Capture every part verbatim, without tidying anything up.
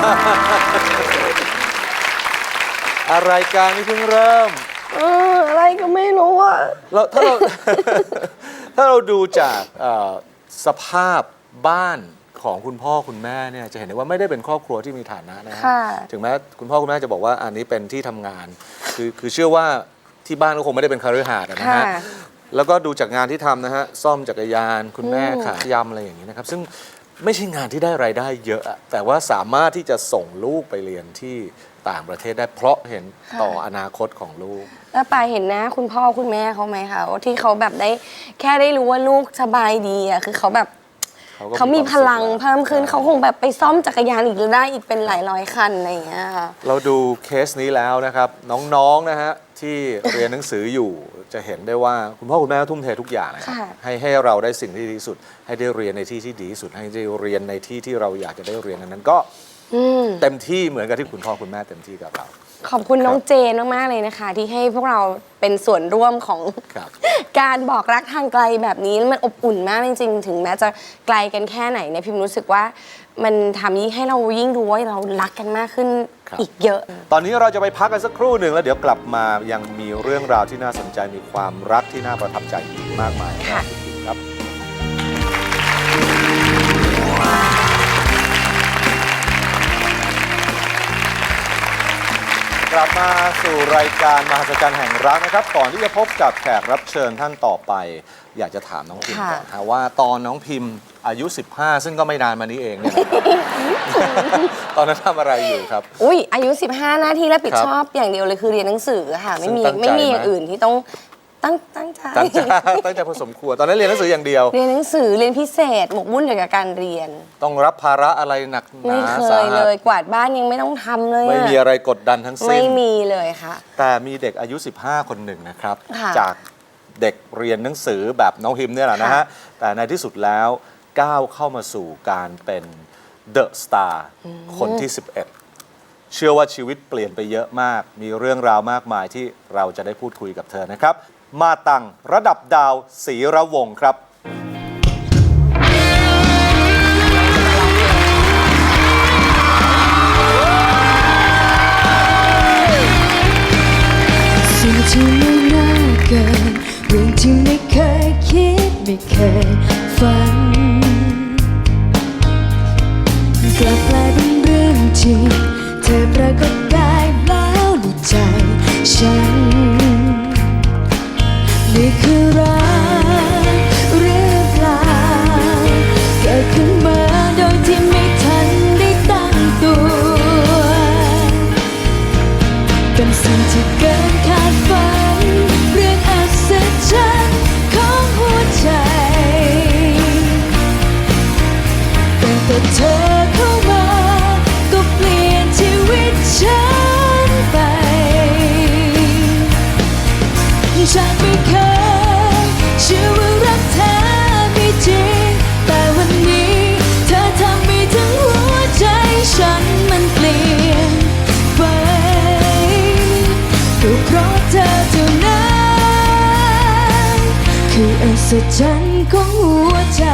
อะไรการนี่เพิ่งเริ่มเอออะไรก็ไม่รู้อะแล้วถ้าเรา ถ้าเราดูจากสภาพบ้านของคุณพ่อคุณแม่เนี่ยจะเห็นได้ว่าไม่ได้เป็นครอบครัวที่มีฐานะนะฮะถึงแม้คุณพ่อคุณแม่จะบอกว่าอันนี้เป็นที่ทำงานคือคือเชื่อว่าที่บ้านก็คงไม่ได้เป็นคฤหาสน์นะฮะแล้วก็ดูจากงานที่ทำนะฮะซ่อมจักรยานคุณแม่ขายยำอะไรอย่างนี้นะครับซึ่งไม่ใช่งานที่ได้รายได้เยอะแต่ว่าสามารถที่จะส่งลูกไปเรียนที่ต่างประเทศได้เพราะเห็นต่ออนาคตของลูกแล้วปายเห็นนะคุณพ่อคุณแม่เขาไหมคะว่าที่เขาแบบได้แค่ได้รู้ว่าลูกสบายดีอะคือเขาแบบเขามีพลังเพิ่มขึ้นเขาคงแบบไปซ่อมจักรยานอีกได้อีกเป็นหลายร้อยคันอะไรอย่างเงี้ยค่ะเราดูเคสนี้แล้วนะครับน้องๆนะฮะที่เรียนหนังสืออยู่จะเห็นได้ว่าคุณพ่อคุณแม่ทุ่มเททุกอย่างนะครับให้ให้เราได้สิ่งที่ดีที่สุดให้ได้เรียนในที่ที่ดีที่สุดให้ได้เรียนในที่ที่เราอยากจะได้เรียนนั้นก็เต็มที่เหมือนกับที่คุณพ่อคุณแม่เต็มที่กับเราขอบคุณน้องเจนมากๆเลยนะคะที่ให้พวกเราเป็นส่วนร่วมของการบอกรักทางไกลแบบนี้มันอบอุ่นมากจริงๆถึงแม้จะไกลกันแค่ไหนเนี่ยพิมรู้สึกว่ามันทำยิ่งให้เรายิ่งรู้ว่าเรารักกันมากขึ้นอีกเยอะตอนนี้เราจะไปพักกันสักครู่หนึ่งแล้วเดี๋ยวกลับมายังมีเรื่องราวที่น่าสนใจมีความรักที่น่าประทับใจอีกมากมายครับกลับมาสู่รายการมหัศจรรย์แห่งรักนะครับก่อนที่จะพบกับแขกรับเชิญท่านต่อไปอยากจะถามน้องพิมก่อนนะว่าตอนน้องพิมอายุสิบห้าซึ่งก็ไม่นานมานี้เองเนี่ย ตอนนั้นทำอะไรอยู่ครับอุ้ยอายุสิบห้าหน้าที่รับผิดชอบอย่างเดียวเลยคือเรียนหนังสือค่ะไม่มีไม่มีอย่างอื่นที่ต้องตั้งตั้งใจตั้งใจตั้งใจพอสมควรตอนนั้นเรียนหนังสืออย่างเดียวเรียนหนังสือเรียนพิเศษหมกมุ่นอยู่กับการเรียนต้องรับภาระอะไรหนักหนาไม่เคยเลยกวาดบ้านยังไม่ต้องทำเลยไม่มีอะไรกดดันทั้งสิ้นไม่มีเลยค่ะแต่มีเด็กอายุสิบห้าคนหนึ่งนะครับจากเด็กเรียนหนังสือแบบน้องพิมเนี่ยแหละนะฮะแต่ในที่สุดแล้วก้าวเข้ามาสู่การเป็นเดอะสตาร์คนที่สิบเอ็ดเชื่อว่าชีวิตเปลี่ยนไปเยอะมากมีเรื่องราวมากมายที่เราจะได้พูดคุยกับเธอนะครับมาตังระดับดาวศรีระวงศ์ครับสิ่งที่ไม่น่าเกินเรื่องที่ไม่เคยคิดไม่เคยฝันกลับกลายเป็นเรื่องจริงเธอปรากฏกายแล้วในใจฉันนี่คือรักหรือเปล่าเกิดขึ้นมาโดยที่ไม่ทันได้ตั้งตัวเป็นสิ่งที่เกินคาดฝันเรื่องอัศจรรย์ของหัวใจตั้งแต่เธอเข้ามาก็เปลี่ยนชีวิตฉันไปฉันไม่เคยเชื่อว่ารักเธอไม่จริงแต่วันนี้เธอทำให้ทั้งหัวใจฉันมันเปลี่ยนไปก็เพราะเธอเท่านั้นคืออัศจรรย์ของหัวใจ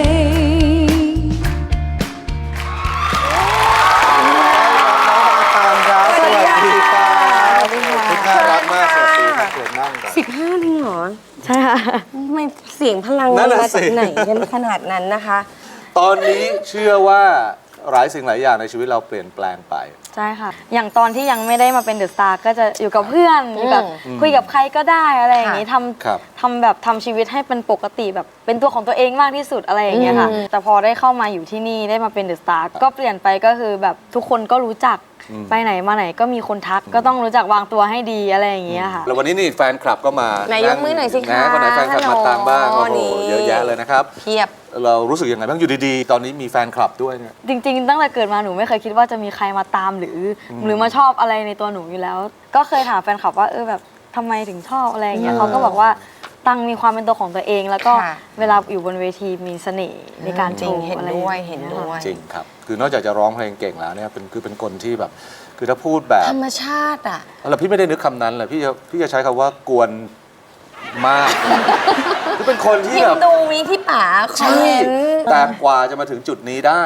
สิบห้าจริงเหรอใช่ค่ะไม่เสียงพลังมาจากไหนกันขนาดนั้นนะคะตอนนี้เชื่อว่าหลายสิ่งหลายอย่างในชีวิตเราเปลี่ยนแปลงไปใช่ค่ะอย่างตอนที่ยังไม่ได้มาเป็นเดอะสตาร์ก็จะอยู่กับเพื่อนอยู่กับคุยกับใครก็ได้อะไรอย่างนี้ทำทำแบบทำชีวิตให้เป็นปกติแบบเป็นตัวของตัวเองมากที่สุดอะไรอย่างเงี้ยค่ะแต่พอได้เข้ามาอยู่ที่นี่ได้มาเป็นเดอะสตาร์ก็เปลี่ยนไปก็คือแบบทุกคนก็รู้จักไปไหนมาไหนก็มีคนทักก็ต้องรู้จักวางตัวให้ดีอะไรอย่างเงี้ยค่ะแล้ววันนี้นี่แฟนคลับก็มาไหนยกมือหน่อยสิคะคนไหนแฟนคลับมาตามบ้างโอ้โหเยอะแยะเลยนะครับเพียบเรารู้สึกยังไงบ้างอยู่ดีๆตอนนี้มีแฟนคลับด้วยเนี่ยจริงๆตั้งแต่เกิดมาหนูไม่เคยคิดว่าจะมีใครมาตามหรือหรือมาชอบอะไรในตัวหนูอยู่แล้วก็เคยถามแฟนคลับว่าเออแบบทำไมถึงชอบอะไรอย่างเงี้ยเขาก็บอกว่าตังมีความเป็นตัวของตัวเองแล้วก็เวลาอยู่บนเวทีมีเสน่ห์ในการโชว์อะไรด้วยเห็นด้วยจริงครับคือนอกจากจะร้องเพลงเก่งแล้วเนี่ยเป็นคือเป็นคนที่แบบคือถ้าพูดแบบธรรมชาติอ่ะแล้วพี่ไม่ได้นึกคำนั้นเลยพี่จะพี่จะใช้คำว่ากวนมากคือเป็นคนที่แบบดูมีที่ป๋าใช่แต่กว่าจะมาถึงจุดนี้ได้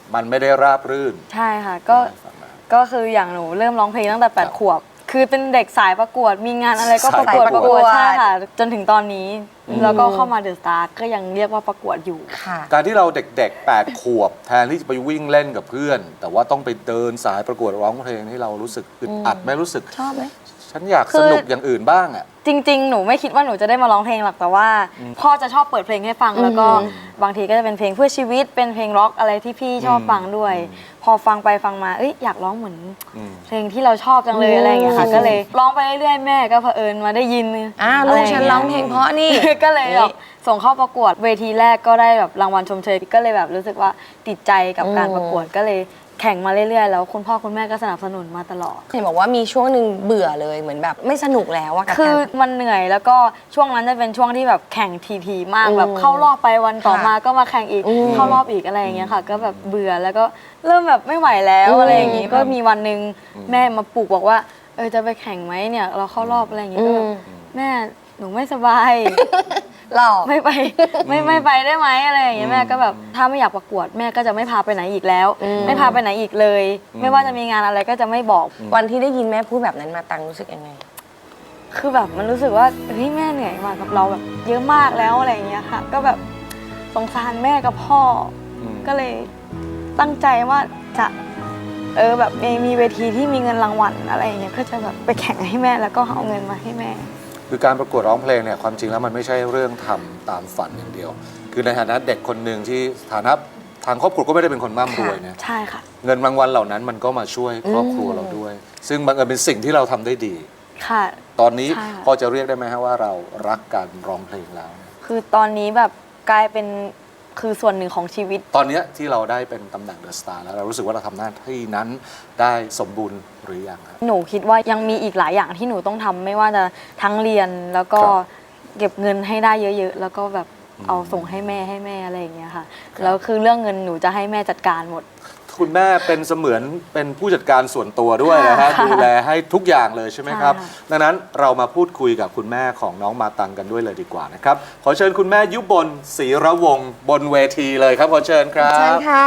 มันไม่ได้ราบรื่นใช่ค่ะก็ก็คืออย่างหนูเริ่มร้องเพลงตั้งแต่แปดขวบคือเป็นเด็กสายประกวดมีงานอะไรก็ประกวดสายปประระกกวดวดใช่ค่ะจนถึงตอนนี้แล้วก็เข้ามาเดอะสตาร์ก็ยังเรียกว่าประกวดอยู่ค่ะการที่เราเด็กๆแปดขวบแทนที่จะไปวิ่งเล่นกับเพื่อน แต่ว่าต้องไปเดินสายประกวดร้องเพลงที่เรารู้สึกอึดอัดไหม่รู้สึกชอบไหมฉันอยากสนุกอย่างอื่นบ้างอ่ะจริงๆ หนูไม่คิดว่าหนูจะได้มาร้องเพลงหรอกแต่ว่าพ่อจะชอบเปิดเพลงให้ฟังแล้วก็บางทีก็จะเป็นเพลงเพื่อชีวิตเป็นเพลงร็อกอะไรที่พี่ชอบฟังด้วย พอฟังไปฟังมาเอ้ยอยากร้องเหมือนอืมเพลงที่เราชอบจังเลยอะไรอย่างเงี้ยค่ะก็เลยร้องไปเรื่อยๆแม่ก็เผอิญมาได้ยินอ่าลูกฉันร้องเพลงเพราะนี่ก็เลยแบบส่งเข้าประกวดเวทีแรกก็ได้แบบรางวัลชมเชยก็เลยแบบรู้สึกว่าติดใจกับการประกวดก็เลยแข่งมาเรื่อยๆแล้วคุณพ่อคุณแม่ก็สนับสนุนมาตลอดเห็นบอกว่ามีช่วงหนึ่งเบื่อเลยเหมือนแบบไม่สนุกแล้วอะกับคือการมันเหนื่อยแล้วก็ช่วงนั้นจะเป็นช่วงที่แบบแข่งทีๆมากอืมแบบเข้ารอบไปวันต่อค่ะมาก็มาแข่งอีกอืมเข้ารอบอีกอะไรอย่างเงี้ยค่ะ ก็แบบเบื่อแล้วก็เริ่มแบบไม่ไหวแล้วอืมอะไรอย่างงี้ก็มีวันหนึ่งแม่มาปลุกบอกว่าเออจะไปแข่งไหมเนี่ยเราเข้ารอบอะไรอย่างงี้ก็แบบแม่หนูไม่สบายหลอกไม่ไปไม่ไม่ไปได้ไหมอะไรอย่างเงี้ยแม่ก็แบบถ้าไม่อยากประกวดแม่ก็จะไม่พาไปไหนอีกแล้วอืมไม่พาไปไหนอีกเลย ไม่ว่าจะมีงานอะไรก็จะไม่บอกวันที่ได้ยินแม่พูดแบบนั้นมาตังรู้สึกยังไงคือแบบมันรู้สึกว่าเฮ้ยแม่เหนื่อยมากับเราแบบเยอะมากแล้วอะไรอย่างเงี้ยค่ะ ก็แบบสงสารแม่กับพ่ออมก็เลยตั้งใจว่าจะเออแบบมีมีเวทีที่มีเงินรางวัลอะไรอย่างเงี้ยก็จะแบบไปแข่งให้แม่แล้วก็เอาเงินมาให้แม่คือการประกวดร้องเพลงเนี่ยความจริงแล้วมันไม่ใช่เรื่องทำตามฝันอย่างเดียว คือในฐานะเด็กคนหนึ่งที่ฐานะทางครอบครัวก็ไม่ได้เป็นคนร่ำรวยเนี่ยใช่ค่ะเงินรางวัลเหล่านั้นมันก็มาช่วยครอบครัวเราด้วย ซึ่งบังเอิญเป็นสิ่งที่เราทำได้ดีค่ะตอนนี้ใช่ค่ะพอจะเรียกได้ไหมฮะว่าเรารักการร้องเพลงแล้วคือตอนนี้แบบกลายเป็นคือส่วนหนึ่งของชีวิตตอนเนี้ยที่เราได้เป็นตำแหน่งเดอะสตาร์แล้วเรารู้สึกว่าเราทำหน้าที่นั้นได้สมบูรณ์หรือยังครับหนูคิดว่ายังมีอีกหลายอย่างที่หนูต้องทำไม่ว่าจะทั้งเรียนแล้วก็ครับเก็บเงินให้ได้เยอะๆ แล้วก็แบบเอาส่งให้แม่ให้แม่อะไรอย่างเงี้ยค่ะ แล้วคือเรื่องเงินหนูจะให้แม่จัดการหมดคุณแม่เป็นเสมือนเป็นผู้จัดการส่วนตัวด้วยนะฮะค่ะดูแลให้ทุกอย่างเลยใช่ไหมครับใช่ค่ะดังนั้นเรามาพูดคุยกับคุณแม่ของน้องมาตังกันด้วยเลยดีกว่านะครับขอเชิญคุณแม่ยุบลศรีระวงศ์บนเวทีเลยครับขอเชิญครับเชิญค่ะ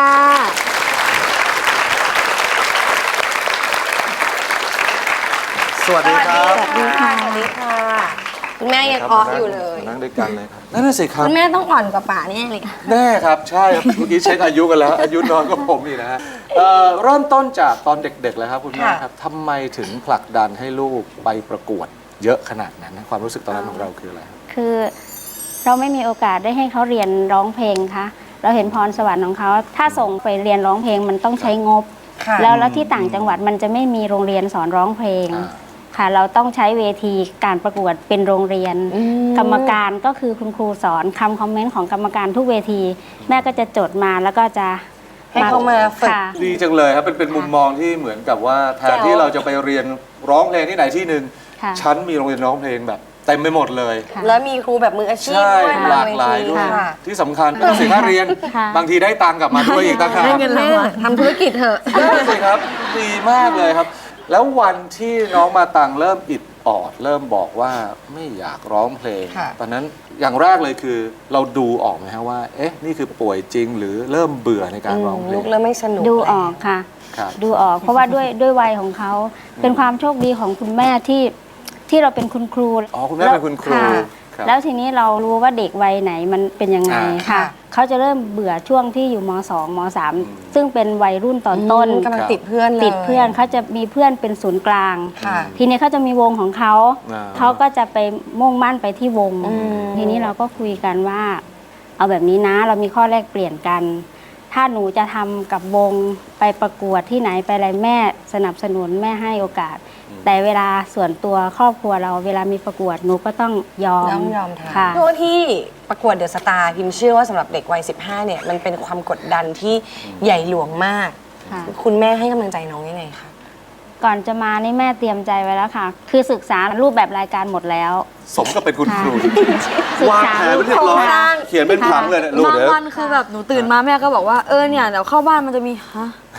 สวัสดีครับสวัสดีค่ะ สวัสดีค่ะ คุณแม่ยังอ้ออยู่เลยนั่งด้วยกันเลยครับนั่นน่ะสิครับคุณแม่ต้องอ่อนกว่าป่าแน่เลยค่ะแน่ครับใช่ครับเมื่อกี้เช็คอายุกันแล้ว อายุน้อยกว่าผมอีกนะฮะเอ่อเริ่มต้นจากตอนเด็กๆเลยครับคุณแม่ค่ะครับทำไมถึงผลักดันให้ลูกไปประกวดเยอะขนาดนั้นนะความรู้สึกตอนนั้นของเราคืออะไรครับคือเราไม่มีโอกาสได้ให้เขาเรียนร้องเพลงคะเราเห็นพรสวรรค์ของเขา ถ้าส่งไปเรียนร้องเพลงมันต้องใช้งบค่ะแล้วแล้วที่ต่างจังหวัดมันจะไม่มีโรงเรียนสอนร้องเพลงอ่าค่ะ เราต้องใช้เวทีการประกวดเป็นโรงเรียนอืมกรรมการก็คือคุณครูสอนคำคอมเมนต์ของกรรมการทุกเวที แม่ก็จะจดมาแล้วก็จะให้เขามาฝึกค่ะดีจังเลยครับเป็นเป็นมุมมองที่เหมือนกับว่าแทนที่เราจะไปเรียนร้องเพลงที่ไหนที่หนึ่งค่ะฉันมีโรงเรียนร้องเพลงแบบเต็มไปหมดเลยค่ะแล้วมีครูแบบมืออาชีพใช่ด้วยหลากหลายด้วยค่ะที่สำคัญไม่ต้องเสียค่าเรียนค่ะบางทีได้ตังค์กลับมาด้วยอีกต่างหากได้เงินรางวัลทำธุรกิจเถอะนั่นสิครับดีมากเลยครับ แล้ววันที่น้องมาตังเริ่มอิดออด เริ่มบอกว่าไม่อยากร้องเพลงค่ะตอนนั้นอย่างแรกเลยคือเราดูออกไหมฮะว่า เอ๊ะ นี่คือป่วยจริงหรือเริ่มเบื่อในการร้องเพลลูงกเริ่มไม่สนุกดูแล้วออกค่ะครับดูออกเพราะว่าด้วยด้วยวัยของเขา เป็นความโชคดีของคุณแม่ที่ที่เราเป็นคุณครูอ๋อคุณแม่เป็นคุณครูะครับแล้วทีนี้เรารู้ว่าเด็กวัยไหนมันเป็นยังไงอ่าค่ะค่ะเขาจะเริ่มเบื่อช่วงที่อยู่ม สอง ม สาม ซึ่งเป็นวัยรุ่นตอนต้นกำลังติดเพื่อนเลยติดเพื่อนเขาจะมีเพื่อนเป็นศูนย์กลางค่ะทีนี้เขาจะมีวงของเขาอ่าเขาก็จะไปมุ่งมั่นไปที่วงอืมทีนี้เราก็คุยกันว่า เอาแบบนี้นะเรามีข้อแลกเปลี่ยนกัน ถ้าหนูจะทำกับวงไปประกวดที่ไหนไปอะไรแม่สนับสนุนแม่ให้โอกาส แต่เวลาส่วนตัวครอบครัวเราเวลามีประกวดหนูก็ต้องยอมยอมยอมทค่ะำช่วงที่ประกวดเดอะสตาร์พิมเชื่อว่าสำหรับเด็กวัย สิบห้า เนี่ย มันเป็นความกดดันที่ใหญ่หลวงมากค่ะคุณแม่ให้กำลังใจน้องยังไงคะก่อนจะมานี่แม่เตรียมใจไว้แล้วค่ะ คือศึกษารูปแบบรายการหมดแล้วสมกับเป็นคุณครูศึกวางษาแผนไว้เรียบร้อยค่ะเขียนเป็นผังเลยเนี่ยลูกบางเดี๋ยววันคือแบบหนูตื่นมาแม่ก็บอกว่าเออเนี่ยเดี๋ยวเข้าบ้านมันจะมีฮะ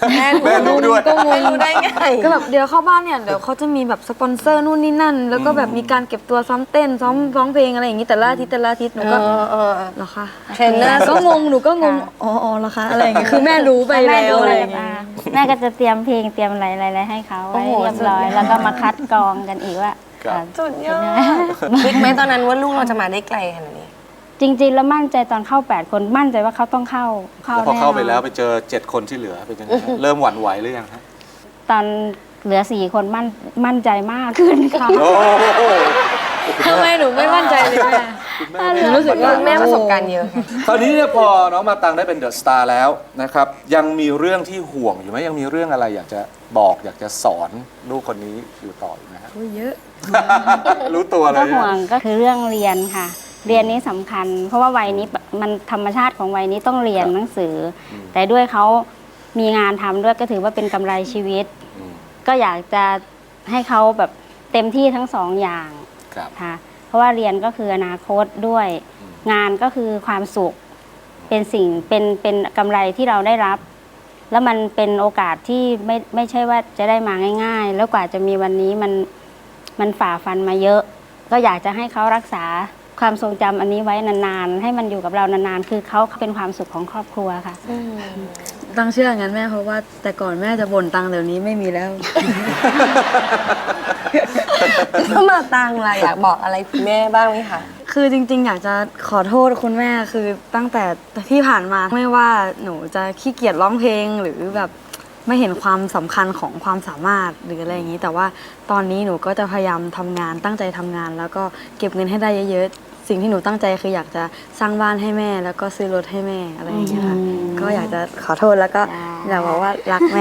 แม่แม่รู้ด้วยก็งงรู้ได้ไงก็แบบเดี๋ยวเข้าบ้านเนี่ยเดี๋ยวเขาจะมีแบบสปอนเซอร์นู่นนี่นั่น แล้วก็แบบมีการเก็บตัวซ้อมเต้นซ้อมร้องเพลงอะไรอย่างนี้แต่ละอาทิตย์แต่ละอาทิตย์หนูก็เออเออเหรอคะเทรนเนอร์ก็งงหนูก็งงอ๋ออ๋อเหรอคะอะไรอย่างเงี้ยคือแม่รู้ไปแม่แล้วดูอะไรเลยอย่างเงี้ยแม่ก็จะเตรียมเพลงเตรียมอะไรอะไรๆให้เขาไว้เรียบร้อย แล้วก็มาคัดกรองกันอีกว่าครับอ่าสุดยอดคิดไหมตอนนั้นว่าลูกเราจะมาได้ไกลขนาดนี้จริงๆ แล้วมั่นใจตอนเข้าแปดคนมั่นใจว่าเขาต้องเข้าเข้าแล้วพอแน่นเข้าไปอนแล้วไปเจอเจ็ดคนที่เหลือเป็นยังไงฮะเริ่มหวั่นไหวหรือยังฮะตอนเหลือสี่คนมั่นมั่นใจมากขึ้นค่ะโอ้โหทำไมหนูไม่มั่นใจเลยแม่คุณแม่หนูรู้สึกว่าแม่ประสบการณ์เยอะค่ะคราวนี้เนี่ยพอน้องมาตังได้เป็นเดอะสตาร์แล้วนะครับยังมีเรื่องที่ห่วงอยู่ไหมยังมีเรื่องอะไรอยากจะบอกอยากจะสอนลูกคนนี้อยู่ต่ออยู่ไหมฮะเยอะรู้ตัวเลก็ยห่วงก็คือเรื่องเรียนค่ะ เรียนนี้สำคัญ เพราะว่าวัยนี้มันธรรมชาติของวัยนี้ต้องเรียนหนังสืออแต่ด้วยเขามีงานทำด้วยก็ถือว่าเป็นกำไรชีวิตอืมก็อยากจะให้เขาแบบเต็มที่ทั้งสองอย่างครับค่ะเพราะว่าเรียนก็คืออนาคตด้วย งานก็คือความสุข เป็นสิ่งเป็นเป็นกำไรที่เราได้รับ แล้วมันเป็นโอกาสที่ไม่ไม่ใช่ว่าจะได้มาง่าย ๆ แล้วกว่าจะมีวันนี้มันมันฝ่าฟันมาเยอะ ก็อยากจะให้เขารักษาความทรงจำอันนี้ไว้นานๆ ให้มันอยู่กับเรานานๆ คือเขาเป็นความสุขของครอบครัวค่ะตั้งเชื่ออย่างนั้นแม่เพราะว่าแต่ก่อนแม่จะบ่นตังค์เดี๋ยวนี้ไม่มีแล้วถ้ามาตังล่ะอยากบอกอะไรคุณแม่บ้างไหมคะคือจริงๆ อยากจะขอโทษคุณแม่คือตั้งแต่ที่ผ่านมาไม่ว่าหนูจะขี้เกียจร้องเพลงหรือแบบไม่เห็นความสำคัญของความสามารถหรืออะไรอย่างนี้ แต่ว่าตอนนี้หนูก็จะพยายามทำงานตั้งใจทำงาน แล้วก็เก็บเงินให้ได้เยอะๆสิ่งที่หนูตั้งใจคืออยากจะสร้างบ้านให้แม่ แล้วก็ซื้อรถให้แม่อะไรอย่างเงี้ยค่ะก็อยากจะขอโทษแล้วก็อยากบอกว่ารักแม่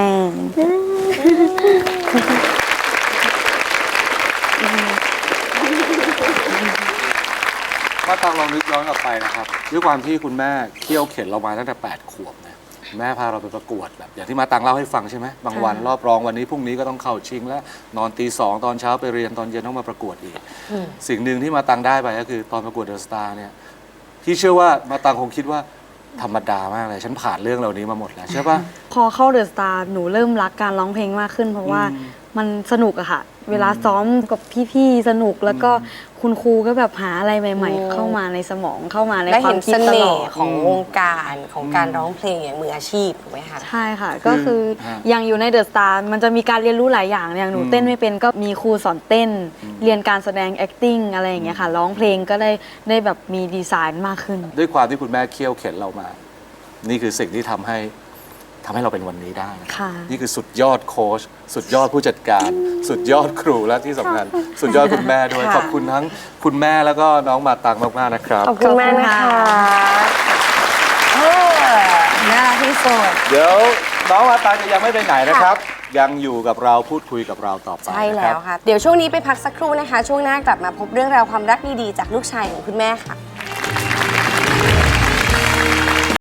มาตังลองนึกย้อนกลับไปนะครับด้วยความที่คุณแม่เคี่ยวเข็นเรามาตั้งแต่แปดขวบนะแม่พาเราไปประกวดแบบอย่างที่มาตังเล่าให้ฟังใช่ไหมบางวันรอบรองวันนี้พรุ่งนี้ก็ต้องเข้าชิงแล้วนอนตีสองตอนเช้าไปเรียนตอนเย็นต้องมาประกวดอีก สิ่งหนึ่งที่มาตังได้ไปก็คือตอนประกวดเดอะสตาร์เนี่ยที่เชื่อว่ามาตังคงคิดว่าธรรมดามากเลยฉันผ่านเรื่องเหล่านี้มาหมดแล้วใช่ปะพอเข้าเดอะสตาร์หนูเริ่มรักการร้องเพลงมากขึ้น เพราะว่ามันสนุกอะค่ะ เวลาซ้อมกับพี่ๆสนุกแล้วก็คุณครูก็แบบหาอะไรใหม่ ๆ เข้ามาในสมองเข้ามาในได้ควาเห็มนคิดเสตลน่อห์ดของวงการของการร้องเพลงอย่างมืออาชีพถูกไหมคะใช่ค่ะ ก็คือฮะอย่างอยู่ในเดอะสตาร์มันจะมีการเรียนรู้หลายอย่างอย่างหนูอืมเต้นไม่เป็นก็มีครูสอนเต้น เรียนการแสดง acting อะไรอย่างเงี้ยค่ะร้องเพลงก็ได้ได้แบบมีดีไซน์มากขึ้นด้วยความที่คุณแม่เคี่ยวเข็นเรามา นี่คือสิ่งที่ทำให้ทำให้เราเป็นวันนี้ได้นะค่ะนี่คือสุดยอดโค้ชสุดยอดผู้จัดการ สุดยอดครูและที่สำคัญ สุดยอดคุณแม่ด้วยค่ะขอบคุณทั้งคุณแม่แล้วก็น้องมาตังมากๆนะครับขอบคุณมากนะคะเออน่ารักที่สุดเดี๋ยวน้องมาตังจะยังไม่ไปไหนนะครับ ยังอยู่กับเราพูดคุยกับเราต่อไปใช่นะคแล้รับวค่ะ เดี๋ยวช่วงนี้ไปพักสักครู่นะคะ ช่วงหน้ากลับมาพบเรื่องราวความรักดีๆจากลูกชายของคุณแม่ค่ะ